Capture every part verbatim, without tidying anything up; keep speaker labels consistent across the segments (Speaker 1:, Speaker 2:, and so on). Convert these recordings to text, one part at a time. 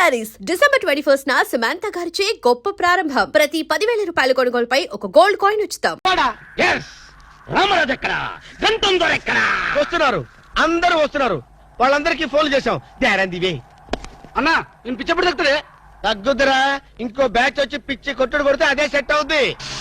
Speaker 1: Saris December twenty first నా సమంత గారిచే గొప్ప ప్రారంభం. ప్రతి పదివేల రూపాయల కొనుగోలుపై ఒక గోల్డ్ కాయిన్ ఉచితం.
Speaker 2: వస్తున్నారు, అందరూ వస్తున్నారు. వాళ్ళందరికీ ఫోన్ చేశాం. దారందివే
Speaker 3: అన్నా నేను పిచ్చప్పుడు తగ్గుతుంది.
Speaker 2: తగ్గుద్దురా, ఇంకో బ్యాచ్ వచ్చి పిచ్చి కొట్టుడు కొడితే అదే సెట్ అవుద్ది.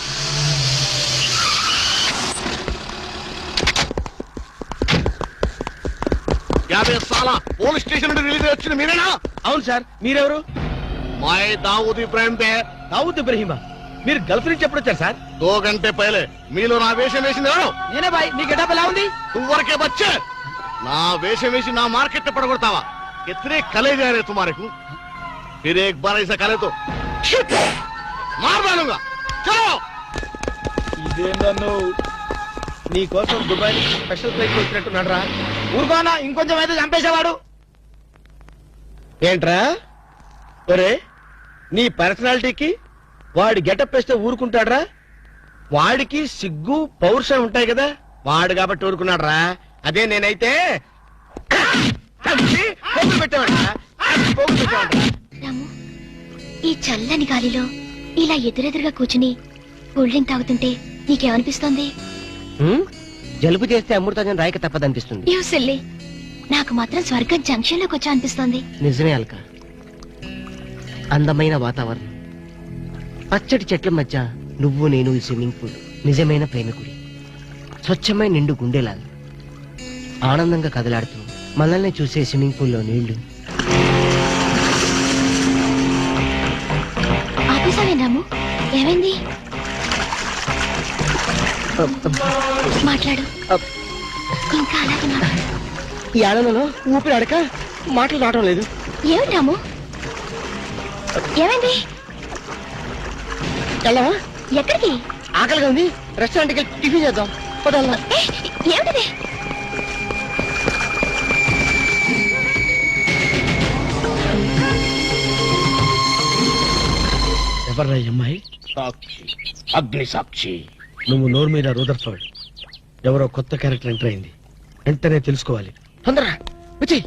Speaker 4: యాభై సాల పోలీస్ స్టేషన్ నుండి రిలీజ్ వచ్చిన మీరేనా?
Speaker 2: అవును సార్, మీరెవరు?
Speaker 4: మాయ్ దావూద్ ఇబ్రాహిం దే.
Speaker 2: దావూద్ ఇబ్రహీమా, మీరు గల్ఫ్ నుంచి ఎప్పుడు వచ్చారు సార్?
Speaker 4: దో గంటే పైలే. మీలో నా వేషం వేసింది ఎవరు?
Speaker 3: నేనే బాయ్. నీ గెటప్ ఎలా ఉంది?
Speaker 4: తువ్వరకే బచ్చే. నా వేషం వేసి నా మార్కెట్ పడగొడతావా? ఎత్రే కలే జారే తుమారకు. ఫిర్ ఏక్ బార్ ఐసా కలే తో మార్ దానుగా. చలో.
Speaker 2: ఇదే నన్ను నీ కోసం దుబాయ్ స్పెషల్ ఫ్లైట్ వచ్చినట్టున్నాడు రా.
Speaker 3: ఊరుకోనా, ఇంకొంచెం అయితే చంపేసేవాడు.
Speaker 2: ఏంట్రా ఒరే, నీ పర్సనాలిటీకి వాడి గెటప్ వేస్తే ఊరుకుంటాడ్రా? వాడికి సిగ్గు పౌరుషం ఉంటాయి కదా, వాడు కాబట్టి ఊరుకున్నాడు రా. అదే నేనైతే పెట్టేవాడు.
Speaker 5: రాము, ఈ చల్లని గాలిలో ఇలా ఎదురెదురుగా కూర్చుని కూల్ డ్రింక్ తాగుతుంటే నీకేమనిపిస్తోంది?
Speaker 2: జలుబు చేస్తే అమృతాజన్ రాయక తప్పదనిపిస్తుంది.
Speaker 5: యూ సిల్లీ, నాకు మాత్రం స్వర్గం జంక్షన్ లోకి వచ్చా అనిపిస్తోంది.
Speaker 6: నిజమే అల్క, అందమైన వాతావరణం, పచ్చటి చెట్ల మధ్య నువ్వు నేను ఈ స్విమ్మింగ్ పూల్ నిజమైన ప్రేమికుడి. స్వచ్ఛమైన నిండు గుండెలాగా ఆనందంగా కదలాడుతూ మనల్ని చూసే స్విమ్మింగ్ పూల్లో నీళ్లు.
Speaker 5: ఆపేసావేం రాము? ఏమైంది? మాట్లాడు, ఇంకా అలాగే మాట్లాడు.
Speaker 6: ఈ ఆనందంలో ఊపిరి అడక మాటలు రావడం లేదు.
Speaker 5: ఏమిటి రాము, ఏమైంది?
Speaker 6: వెళ్ళవా?
Speaker 5: ఎక్కడికి?
Speaker 6: ఆకలిగా ఉంది, రెస్టారెంట్కి వెళ్ళి టిఫిన్ చేద్దాం. పదల్లా.
Speaker 5: ఏమిటిది?
Speaker 2: ఎవర్రా ఈ అమ్మాయి?
Speaker 4: సాక్షి, అగ్ని సాక్షి.
Speaker 2: నువ్వు నోరు మీద రూదర్ఫర్డ్, ఎవరో కొత్త క్యారెక్టర్ ఎంటర్ అయింది. వెంటనే తెలుసుకోవాలి.
Speaker 6: తొందరగా వచ్చి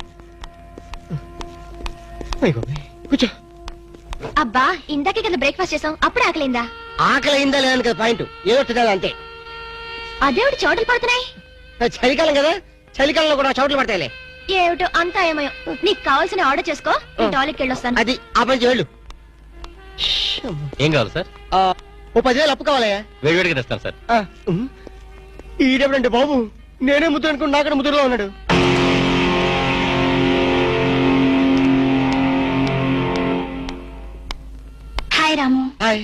Speaker 6: కూర్చో.
Speaker 5: అబ్బా, ఇందాకే కదా బ్రేక్ఫాస్ట్ చేసాం, అప్పుడు ఆకలిందా?
Speaker 6: ఆకలి అయిందా లేదని కదా పాయింట్, ఏదో తినాలి అంతే.
Speaker 5: అదేవిడు చోటలు పడుతున్నాయి.
Speaker 6: చలికాలం కదా, చలికాలంలో కూడా చోట్లు పడతాయిలే.
Speaker 5: ఏమిటో అంతా ఏమయో. నీకు కావాల్సిన ఆర్డర్ చేసుకో, నేను టాయిలెట్కి వెళ్ళొస్తాను.
Speaker 6: అది ఆ పని వెళ్ళు.
Speaker 7: ఏం కావాలి సార్?
Speaker 6: ఓ పదివేలు అప్పు కావాలయ్యా.
Speaker 7: వేడివేడిగా తెస్తాను సార్.
Speaker 6: ఈడెవడంటే బాబు, నేనే ముద్దు అనుకుని నాకడ ముద్దులో ఉన్నాడు.
Speaker 5: హాయ్ రాము.
Speaker 6: హాయ్.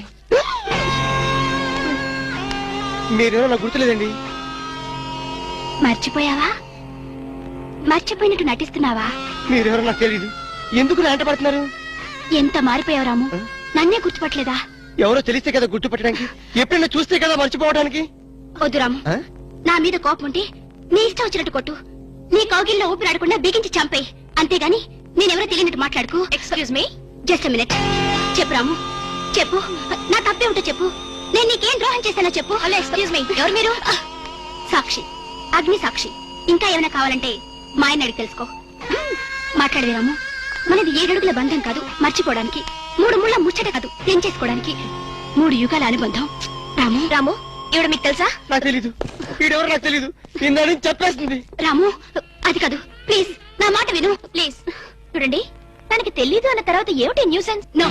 Speaker 6: మీరేమో నాకు గుర్తులేదండి.
Speaker 5: మర్చిపోయావా? మర్చిపోయినట్టు నటిస్తున్నావా?
Speaker 6: మీరెవరో నాకు తెలియదు, ఎందుకు నా వెంట పడుతున్నారు?
Speaker 5: ఎంత మారిపోయావు రాము, నన్నే గుర్తుపట్టలేదా?
Speaker 6: ఎవరో తెలిస్తే కదా గుర్తుపట్టడానికి, ఎప్పుడైనా చూస్తే కదా మర్చిపోవడానికి.
Speaker 5: వద్దు రాము, నా మీద కోపం ఉంటే నీ ఇష్టం వచ్చినట్టు కొట్టు, నీ కౌగిల్లో ఊపిరాడకుండా బిగించి చంపేయి. అంతేగాని నేనెవరో తెలియనట్టు మాట్లాడుకు. Excuse me, just minute. చెప్పు రాము, చెప్పు, నా తప్పే ఉంటే చెప్పు. నేను నీకేం ద్రోహం చేశానో చెప్పు. హలో, ఎక్స్క్యూజ్ మీ, ఎవరు మీరు? సాక్షి, అగ్ని సాక్షి. ఇంకా ఏమైనా కావాలంటే మా ఆయన అడిగి తెలుసుకో. మాట్లాడేది రాము, మనది ఏడడుగుల బంధం కాదు మర్చిపోవడానికి, మూడు ముళ్ళ ముచ్చట కాదు తెంచేసుకోవడానికి, మూడు యుగాల అనుబంధం. రాము, రాము, ఇవిడ మీకు తెలుసా?
Speaker 6: నాకు తెలీదు, వీడెవరో నాకు తెలీదు, నిన్న చెప్పేస్తుంది.
Speaker 5: రాము, అది కాదు, ప్లీజ్ నా మాట విను, ప్లీజ్. చూడండి, తనకి తెలీదు అన్న తర్వాత ఏమిటి న్యూసెన్స్? నో,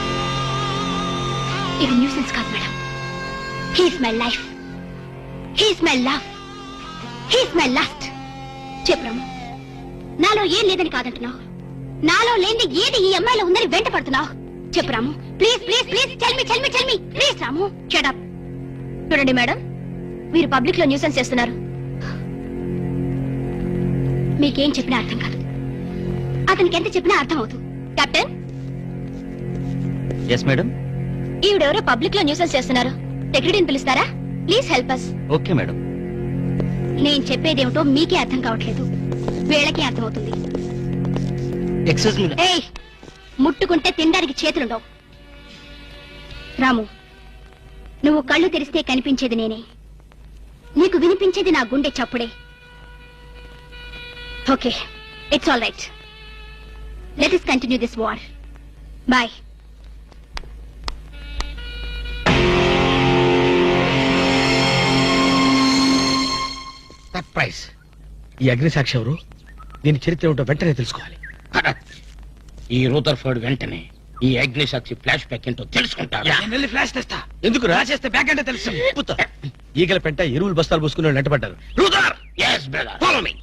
Speaker 5: ఇది న్యూసెన్స్ కాదు madam. He's my life, he's my love, he's my last. చెప్పు రాము, నాలో ఏం లేదని కాదంటున్నావు, నాలో లేని ఏది ఈ అమ్మాయిలో ఉందని వెంట పడుతున్నావు. చెప్పు Ramu, please please please, tell me tell me tell me please. Ramu, shut up. చూడండి మేడం, మీరు పబ్లిక్ లో న్యూసెన్స్ చేస్తున్నారు. మీకేం చెప్పినా అర్థం కాదు, అతనికి ఎంత చెప్పినా అర్థం అవుతుంది. కెప్టెన్.
Speaker 7: Yes madam.
Speaker 5: ఈవిడెవరో పబ్లిక్ లో న్యూసెన్స్ చేస్తున్నారు, సెక్రటరీని పిలుస్తారా? Please help us.
Speaker 7: Okay madam.
Speaker 5: నేను చెప్పేదేమిటో మీకే అర్థం కావట్లేదు, వీళ్ళకే అర్థమవుతుంది.
Speaker 6: Excuse me.
Speaker 5: ఏయ్, ముట్టుకుంటే తినడానికి చేతులుండవు. రాము, నువ్వు కళ్ళు తెరిస్తే కనిపించేది నేనే, నీకు వినిపించేది నా గుండె చప్పుడే. Okay, it's all right. Let us continue this war. Bye.
Speaker 2: Surprise. ఈ అగ్నిసాక్షి ఎవరు? దీని చరిత్ర ఏమిటో వెంటనే తెలుసుకోవాలి.
Speaker 3: ఈ రూదర్ఫర్డ్ వెంటనే ఈ అగ్నిసాక్షి ఫ్లాష్ బ్యాక్ ఏంటో తెలుసుకుంటాడు.
Speaker 2: యా.
Speaker 3: నేను వెళ్ళి ఫ్లాష్ తెస్తా.
Speaker 2: ఎందుకు రా?
Speaker 3: చేస్తే బ్యాక్ అంటే తెలుసు.
Speaker 2: పుత్త. ఈగల పెంట ఎరువులు బస్తాలు పోసుకుని వాళ్ళు వెంటపడ్డారు.
Speaker 3: Brother, yes brother, follow me.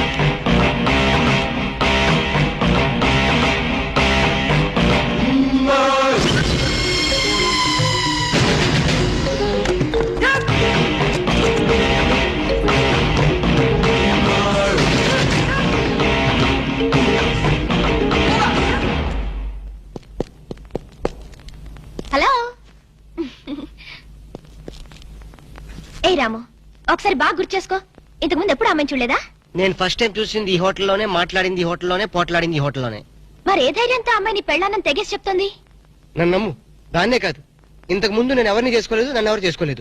Speaker 5: Hello. ఏ రాము, ఒకసారి బాగా గుర్తు చేసుకో. ఇంతకు ముందు ఎప్పుడు అమ్మాయి చూడలేదా?
Speaker 6: నేను ఫస్ట్ టైం చూసింది ఈ హోటల్లోనే, మాట్లాడింది ఈ హోటల్లోనే, పోట్లాడింది ఈ హోటల్లోనే.
Speaker 5: మరి ఏ ధైర్యంతో అమ్మాయిని పెళ్ళానని తెగేసి చెప్తుంది?
Speaker 6: నన్ను నమ్ము. దాన్నే కాదు, ఇంతకు ముందు నేను ఎవరిని చేసుకోలేదు, నన్ను ఎవరు చేసుకోలేదు.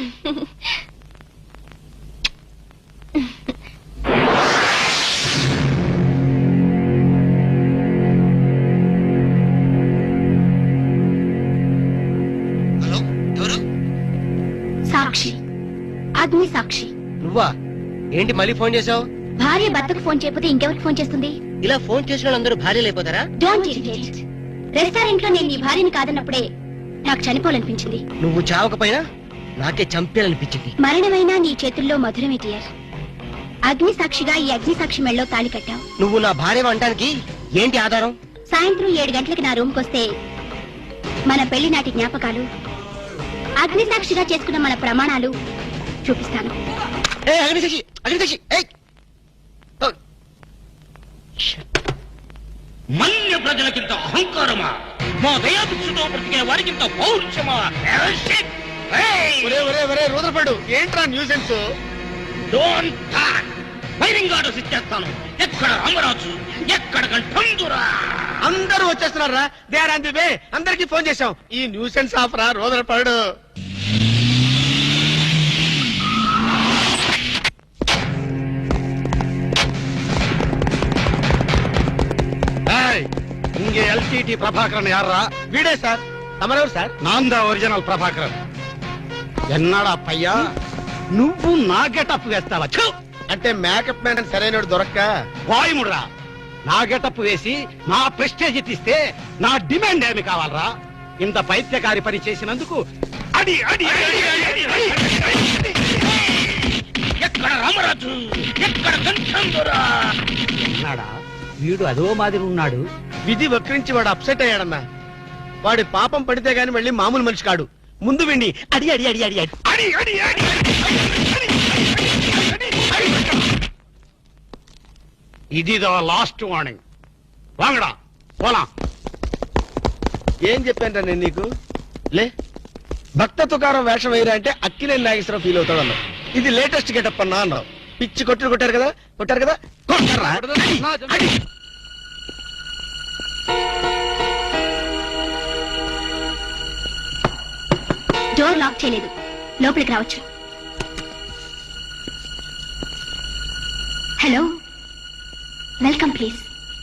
Speaker 6: హలో, ఎవరు?
Speaker 5: సాక్షి, అగ్ని సాక్షి.
Speaker 6: నువ్వా? ఏంటి మళ్ళీ ఫోన్ చేసావు?
Speaker 5: భార్య భర్తకు ఫోన్ చేయకపోతే ఇంకెవరికి ఫోన్ చేస్తుంది?
Speaker 6: ఇలా ఫోన్ చేసిన వాళ్ళందరూ భార్యలు అయిపోతారా?
Speaker 5: Don't irritate. రెస్టారెంట్ లో నేను నీ భార్యని కాదన్నప్పుడే నాకు చనిపోవాలనిపించింది.
Speaker 6: నువ్వు చావకపోయినా నాకే చంపేయాలనిపించింది.
Speaker 5: మరణమైనా నీ చేతుల్లో మధురమే డియర్. అగ్ని సాక్షిగా ఈ అగ్ని సాక్షి మెళ్ళలో తాళి కట్టావు.
Speaker 6: నువ్వు నా భార్య అనడానికి ఏంటి ఆధారం?
Speaker 5: సాయంత్రం ఏడు గంటలకి నా రూమ్కి వస్తే మన పెళ్లి నాటి జ్ఞాపకాలు, అగ్ని సాక్షిగా చేసుకున్న మన ప్రమాణాలు చూపిస్తాను.
Speaker 6: ఏ అగ్నిసాక్షి, అగ్నిసాక్షి, ఏయ్! ఓ!
Speaker 3: మన్య ప్రజలకింత అహంకారమా? మా దయాభిక్షతో బ్రతికే వారికింత పౌరుషమా?
Speaker 2: ఒరే ఒరే ఒరే రూదర్ఫర్డ్, ఏంట్రా nuisance?
Speaker 3: Don't talk. Firing orders ఇచ్చేస్తాను. ఎక్కడ రామరాజు, ఎక్కడ కంఠందురా?
Speaker 2: అందరూ వచ్చేస్తున్నారా? They are on the way. అందరికి ఫోన్ చేశాం. ఈ న్యూసెన్స్ ఆఫ్ రా రూదర్ఫర్డ్.
Speaker 4: இங்க எல்டிடி பிரபாகரன் யாரா?
Speaker 2: వీడే సార్. తమరెవరు సార్?
Speaker 4: நான் தான் ఒరిజినల్ ప్రభాకరన్. ఎన్నాడా పయ్యా, నువ్వు నా గెటప్ వేస్తావా? ఛు!
Speaker 2: అంటే మేకప్ మ్యాన్ సరైన దొరక్క
Speaker 4: వాయుముడ్రా. నా గెటప్ వేసి నా ప్రెస్టేజ్ తీస్తే నా డిమాండ్ ఏమి కావాలరా? ఇంత పైత్యకారి పని చేసినందుకు అడి అడి అడి, అడి, అడి, అడి, అడి, అడి.
Speaker 3: ఎక్కడ రామరాజు, ఎక్కడ కంఠందురా?
Speaker 4: ఎన్నాడా వీడు అదో మాదిరి ఉన్నాడు.
Speaker 2: విధి వక్రించి వాడు అప్సెట్ అయ్యాడన్నా. వాడి పాపం పడితే గాని మళ్ళీ మామూలు మనిషి కాడు. ముందు విండి అడి అడి అడి అడి అడి
Speaker 4: అడి అడి అడి, ఇది లాస్ట్ వార్నింగ్. వాంగడా పోలా.
Speaker 2: ఏం చెప్పాను నేను నీకు? లే, భక్త తుకారం వేషం వేయరా అంటే అక్కినేని నాగేశ్వరరావు ఫీల్ అవుతాడు అన్నావు. ఇది లేటెస్ట్ గెటప్ అన్నా అన్నావు. పిచ్చి కొట్టుడు కొట్టారు కదా, కొట్టారు కదా, కొట్టారా? అడి.
Speaker 5: డోర్ లాక్ చేయలేదు, లోపలికి రావచ్చు. Hello, welcome please.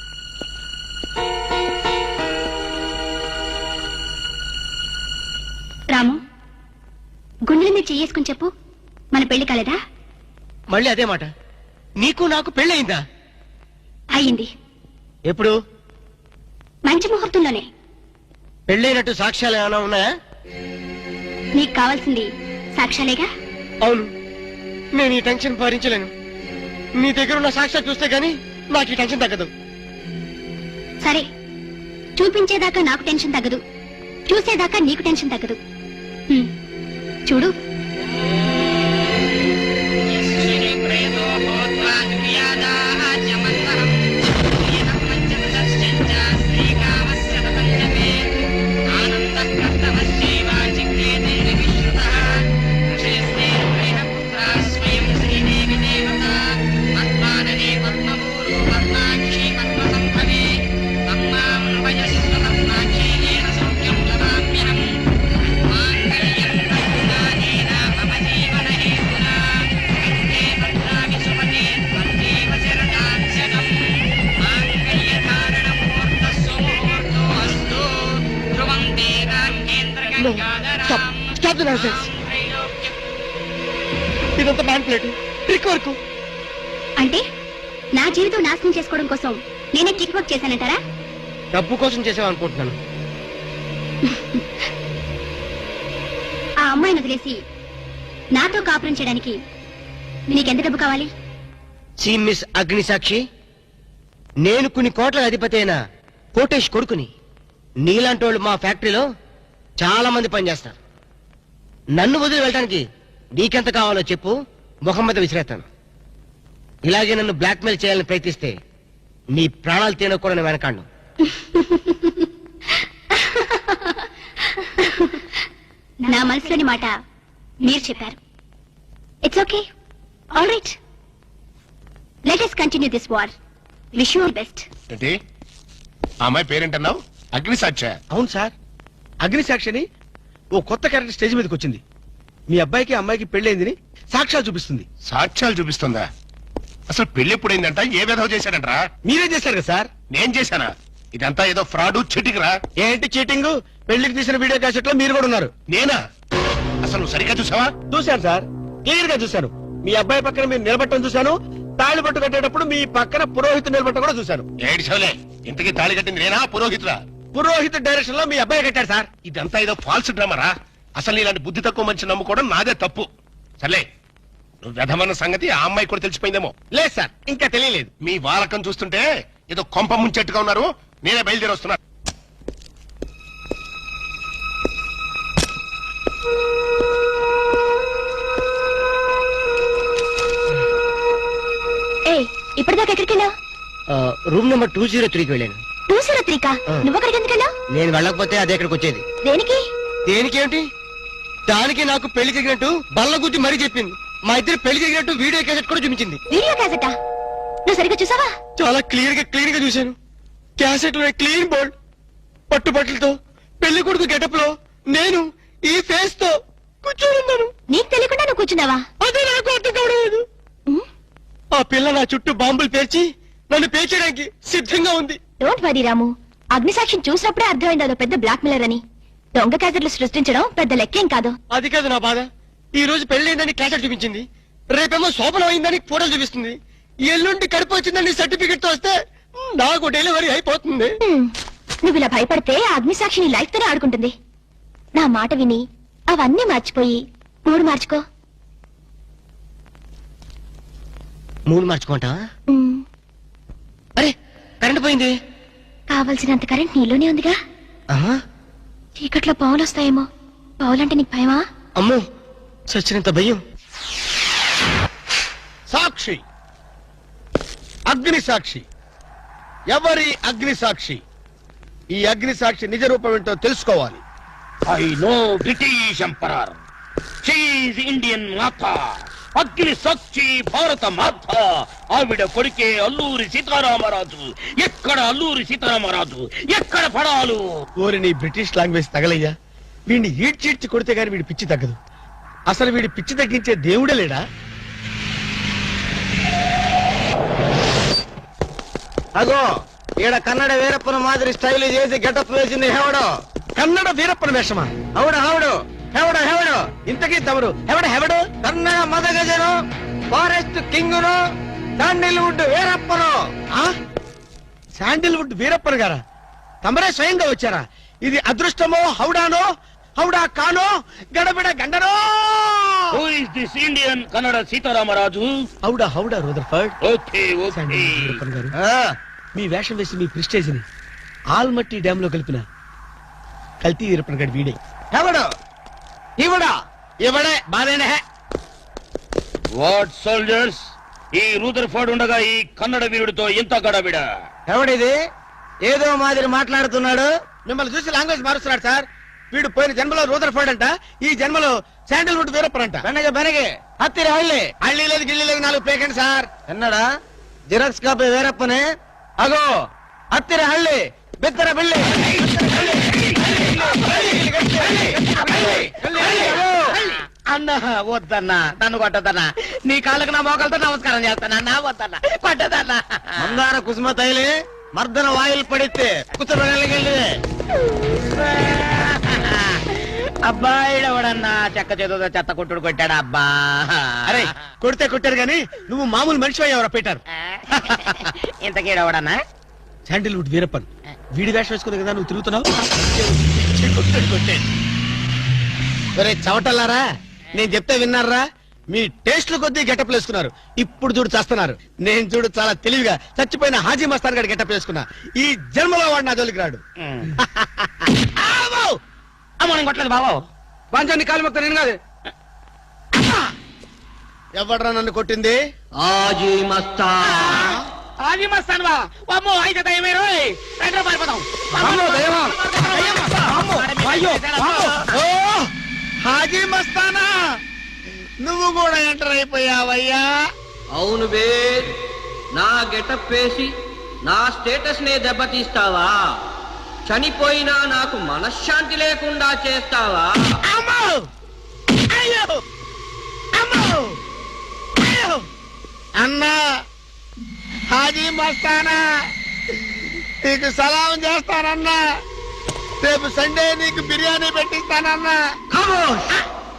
Speaker 5: రాము, గుండెల మీద చెయ్యేసుకుని చెప్పు, మన పెళ్లి కాలేదా?
Speaker 6: మళ్ళీ అదే మాట. నీకు నాకు పెళ్ళయిందా?
Speaker 5: అయ్యింది.
Speaker 6: ఎప్పుడు?
Speaker 5: మంచి ముహూర్తంలోనే.
Speaker 6: పెళ్ళైనట్టు సాక్ష్యాలు ఏమైనా ఉన్నాయా?
Speaker 5: నీకు కావాల్సింది సాక్ష్యాలేగా.
Speaker 6: అవును, నేను ఈ టెన్షన్ భరించలేను. నీ దగ్గర ఉన్న సాక్ష్యాలు చూస్తే గానీ నాకు ఈ టెన్షన్ తగ్గదు.
Speaker 5: సరే, చూపించేదాకా నాకు టెన్షన్ తగ్గదు, చూసేదాకా నీకు టెన్షన్ తగ్గదు. హ్మ్, చూడు.
Speaker 6: Stop stop the nonsense. ఇదంతా మ్యాన్ ప్లేట్ ట్రిక్ వర్క్.
Speaker 5: అంటే నా జీవితం నాశనం చేసుకోవడం కోసం నేనే టిక్ వర్క్ చేశానంటారా?
Speaker 6: డబ్బు కోసం చేసావనుకుంటున్నాను.
Speaker 5: ఆ అమ్మాయిని వదిలేసి నాతో కాపురం చేయడానికి నీకెంత డబ్బు కావాలి?
Speaker 6: సి మిస్ అగ్నిసాక్షి, నేను కొన్ని కోట్ల అధిపతి అయిన కోటేష్ కొడుకుని. నీలాంటి వాళ్ళు మా ఫ్యాక్టరీలో చాలా మంది పనిచేస్తారు. నన్ను వదిలి వెళ్ళడానికి నీకెంత కావాలో చెప్పు, ముఖం మీద విసిరేస్తాను. ఇలాగే నన్ను బ్లాక్మెయిల్ చేయాలని ప్రయత్నిస్తే నీ ప్రాణాలు తినకూడని వెనకాండు.
Speaker 5: నా మనసులోని మాట మీరు చెప్పారు. It's okay, all right, let us continue this war. Wish you all best.
Speaker 4: ఏంటి ఆ అమ్మాయి పేరేంటన్నావు? అగ్నిసాక్ష?
Speaker 2: అవును సార్, అగ్నిసాక్షిని ఓ కొత్త క్యారెక్టర్ స్టేజ్ మీదకి వచ్చింది. మీ అబ్బాయికి అమ్మాయికి పెళ్ళైందని సాక్ష్యాలు చూపిస్తుంది.
Speaker 4: సాక్ష్యాలు చూపిస్తుందా? అసలు పెళ్లి ఎప్పుడైందంట? ఏ విధవ చేశాడంట్రా?
Speaker 2: మీరే చేశారు కదా సార్.
Speaker 4: నేను చేశానా? ఇదంతా ఏదో ఫ్రాడ్ చీటింగ్ రా.
Speaker 2: ఏంటి చీటింగ్? పెళ్లికి తీసిన వీడియో క్యాసెట్ లో మీరు కూడా ఉన్నారు.
Speaker 4: నేనా? అసలు నువ్వు సరిగ్గా చూసావా?
Speaker 2: చూశాను సార్, క్లియర్ గా చూశాను. మీ అబ్బాయి పక్కన మీరు నిలబట్టడం చూశాను. తాళి పట్టు కట్టేటప్పుడు మీ పక్కన పురోహితు నిలబట్టడం కూడా చూశాను.
Speaker 4: ఏడు చవలే, ఇంతకీ తాళి కట్టింది నేనా పురోహితురా?
Speaker 2: పురోహితు డైరెక్షన్ లో మీ అబ్బాయి కట్టాడు సార్.
Speaker 4: ఇదంతా ఏదో ఫాల్స్ డ్రామారా. అసలు ఇలాంటి బుద్ధి తక్కువ మంచి నమ్ముకోవడం నాదే తప్పు. సర్లే, నువ్వు వ్యధమన్న సంగతి ఆ అమ్మాయి కూడా తెలిసిపోయిందేమో.
Speaker 2: లేదు సార్, ఇంకా తెలియలేదు.
Speaker 4: మీ వాలకం చూస్తుంటే ఏదో కొంప ముంచెట్టుగా ఉన్నారు. నేనే బయలుదేరి వస్తున్నా.
Speaker 5: ఏ ఇప్పటిదాకా ఎక్కడికి వెళ్ళావు?
Speaker 6: రూమ్ నెంబర్ టూ జీరో త్రీకి వెళ్ళాను.
Speaker 5: టూ జీరో త్రీ కా?
Speaker 6: ఆ.
Speaker 5: నువ్వు అక్కడికి ఎందుకు వెళ్ళావు?
Speaker 6: నేను వెళ్ళకపోతే అదే ఇక్కడికి వచ్చేది.
Speaker 5: దేనికి?
Speaker 6: దేనికేంటి? దానికి నాకు పెళ్లి జరిగినట్టు బల్ల గుద్ది మరీ చెప్పింది. మా ఇద్దరు పెళ్లి జరిగినట్టు వీడియో క్యాసెట్ కూడా చూపించింది.
Speaker 5: వీడియో క్యాసెటా? నువ్వు సరిగ్గా చూసావా?
Speaker 6: చాలా క్లియర్ గా క్లీన్ గా చూశాను. క్యాసెట్ లో క్లీన్ బోర్డ్, పట్టుబట్టలతో, పెళ్లి కొడుకు గెటప్ లో నేను ఈ ఫేస్ తో కూర్చొని ఉన్నాను.
Speaker 5: నీకు తెలియకుండా నువ్వు కూర్చున్నావా?
Speaker 6: అదే నాకు అర్థం కావడం.
Speaker 5: ఉమ్,
Speaker 6: ఆ పిల్ల నా చుట్టూ బాంబులు పేర్చి నన్ను పేర్చడానికి సిద్ధంగా ఉంది.
Speaker 5: డోంట్ వరీ రాము, అగ్నిసాక్షిని చూసినప్పుడే అర్థమైంది అదో పెద్ద బ్లాక్ మెయిలర్ అని. దొంగ క్యాసెట్లు సృష్టించడం పెద్ద లెక్కేం కాదు.
Speaker 6: అది కాదు నా బాధ. ఈ రోజు పెళ్లైందని క్యాసెట్ చూపించింది, రేపేమో శోభనం అయిందని ఫోటోలు చూపిస్తుంది, ఎల్లుండి కడుపు వచ్చిందని సర్టిఫికెట్ తో వస్తే నాకు డెలివరీ అయిపోతుంది.
Speaker 5: ఉమ్, నువ్వు ఇలా భయపడితే ఆ అగ్నిసాక్షిని లైఫ్ తోనే ఆడుకుంటుంది. నా మాట విని అవన్నీ మర్చిపోయి మూడు మార్చుకో.
Speaker 6: మూడు మార్చుకుంటా?
Speaker 5: ఉమ్,
Speaker 6: అరే కరెంట్ పోయింది.
Speaker 5: కావలసినంత కరెంట్ నీలోనే ఉందిగా.
Speaker 6: ఆహా,
Speaker 5: చీకట్లో పావులు వస్తాయేమో. పావులంటే నీకు భయమా?
Speaker 6: అమ్మో చచ్చినంత భయం.
Speaker 2: సాక్షి, అగ్ని సాక్షి. ఎవరి అగ్ని సాక్షి? ఈ అగ్ని సాక్షి నిజ రూపం ఏంటో తెలుసుకోవాలి.
Speaker 3: I know British emperor, she Indian మాత, అగ్ని సాక్షి భారత మాత. ఆవిడ కొడుకే అల్లూరి సీతారామరాజు. ఎక్కడ అల్లూరి సీతారామరాజు, ఎక్కడ పడాలు?
Speaker 2: ఓరి నీ బ్రిటిష్ లాంగ్వేజ్ తగలయ్యా. వీడిని ఈడ్చీడ్చి కొడితే గాని వీడి పిచ్చి తగ్గదు. అసలు వీడి పిచ్చి తగ్గించే దేవుడే లేడా?
Speaker 6: అగో ఈడ కన్నడ వీరప్పన మాదిరి స్టైల్ చేసి గెటప్ వేసింది హెవడో.
Speaker 2: కన్నడ వీరప్పన వేషమా?
Speaker 6: హౌడు హౌడు హెవడో హెవడో.
Speaker 2: ఇంతకీ తమరు ఎవడ హెవడు?
Speaker 6: కన్నడ మదగజను, ఫారెస్ట్ కింగును, శాండిల్వుడ్ వీరప్పను.
Speaker 2: ఆ? శాండిల్వుడ్ వీరప్పన్ గారా? తమరే స్వయంగా వచ్చారా? ఇది అదృష్టమో హౌడానో, హౌడా కానో, గడబిడ గండనో?
Speaker 3: Who is this Indian Kannada Sitaramaraju?
Speaker 2: హౌడా హౌడా Rutherford.
Speaker 3: Okay okay.
Speaker 2: Sandalwood Veerappan గారు,
Speaker 6: ఆ,
Speaker 2: మీ వేషం వేసి మీ ప్రిస్టేజ్ ని ఆల్మట్టి డ్యామ్ లో కలిపిన కల్తీ వీరప్పన్ గారి వీడే.
Speaker 6: హెవడో ఇవడా ఇవడే బాధేనే.
Speaker 3: వాట్ సోల్జర్స్, ఈ రూదర్ఫర్డ్ ఉండగా ఈ కన్నడ వీరుడితో ఎంత గడబిడ?
Speaker 6: ఎవడిది ఏదో మాదిరి మాట్లాడుతున్నాడు?
Speaker 2: మిమ్మల్ని చూసి లాంగ్వేజ్ మారుస్తున్నాడు సార్. వీడు పోయిన జన్మలో రూదర్ఫర్డ్ అంట, ఈ జన్మలో శాండిల్వుడ్ వీరప్పన్ అంట.
Speaker 6: బెనగ బెనగే హత్తిరి హళ్ళి.
Speaker 2: హళ్ళీ లేదు గిల్లి లేదు, నాలుగు పేకండి సార్.
Speaker 6: ఎన్నడా జిరాక్స్ కాపీ వీరప్పనే. అగో హత్తిరి హళ్ళి బిత్తర బిల్లి.
Speaker 7: అన్న వద్దన్నా, నన్ను కొట్టదన్నా. నీ కాళ్ళకు నా మోకాలతో నమస్కారం చేస్తానన్నా. వద్దన్నా, కొట్టదన్నా.
Speaker 6: మందార కుసుమ తైలి మర్దన వాయిల్ పడితే కుసరగలిగి
Speaker 7: అబ్బాయి ఎవడన్నా చెక్క చేతుతో చెత్త కొట్టుడు కొట్టాడు అబ్బా.
Speaker 2: అరే కొడితే కొట్టారు గాని నువ్వు మామూలు మనిషి అయ్యావరా పీటర్.
Speaker 7: ఇంతకీడవడన్నా
Speaker 2: శాండిల్వుడ్ వీరప్పన్ వీడి వేషం వేసుకుని కదా నువ్వు తిరుగుతున్నావు. ఒరే చవటల్లారా, నేను చెప్తే విన్నారా? మీ టేస్ట్లు కొద్దీ గెటప్ వేసుకున్నారు. ఇప్పుడు చూడు చేస్తున్నారు. నేను చూడు చాలా తెలివిగా చచ్చిపోయిన హాజీ మస్తాన్ గారి గెటప్ వేసుకున్నా. ఈ జన్మలో వాడు నా జోలికి రాడు.
Speaker 7: మనం కొట్టలేదు బాబు.
Speaker 2: పంచాన్ని కాలు మొత్తం నేను కాదు. ఎవడ్రా నన్ను కొట్టింది?
Speaker 6: ఆజీ మస్తా
Speaker 7: ఆజీ మస్తాన్ బా. అమ్మో అయితే దయమే రోయ్. రండి పారిపోదాం.
Speaker 2: అమ్మో, దయ్యమా? ఓ హాజీ మస్తానా, నువ్వు కూడా ఎంటర్ అయిపోయావయ్యా.
Speaker 6: అవును బే, నా గెటప్ వేసి నా స్టేటస్ నే దెబ్బతీస్తావా? చనిపోయినా నాకు మనశ్శాంతి లేకుండా చేస్తావా?
Speaker 2: అమ్మో! అయ్యో! అమ్మో! అయ్యో! అన్నా హాజీ మస్తానా, నీకు సలాం చేస్తానన్నా. రేపు సండే నీకు బిర్యానీ పెట్టిస్తానన్నా.
Speaker 6: ఖమోష్!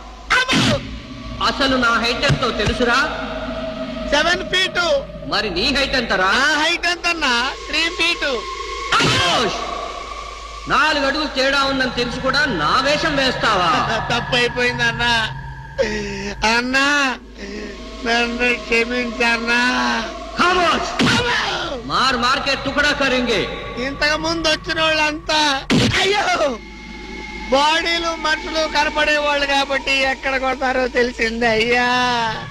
Speaker 6: అసలు నా హైట్ ఎంతో తెలుసురా?
Speaker 2: Seven feet.
Speaker 6: మరి నీ హైట్ ఎంతరా?
Speaker 2: నా హైట్ ఎంతన్నా? Three feet.
Speaker 6: ఖమోష్! నాలుగు అడుగులు తేడా ఉందని తెలిసి కూడా నా వేషం వేస్తావా?
Speaker 2: తప్పైపోయిందన్నా. అన్నా నన్ను క్షమించన్నా.
Speaker 6: ఖమోష్! మార్ మార్కెట్ టుకడా కరింగే.
Speaker 2: ఇంతకు ముందు వచ్చిన వాళ్ళంతా అయ్యో బాడీలు మనుషులు కనపడే వాళ్ళు కాబట్టి ఎక్కడ కొడతారో తెలిసింది అయ్యా.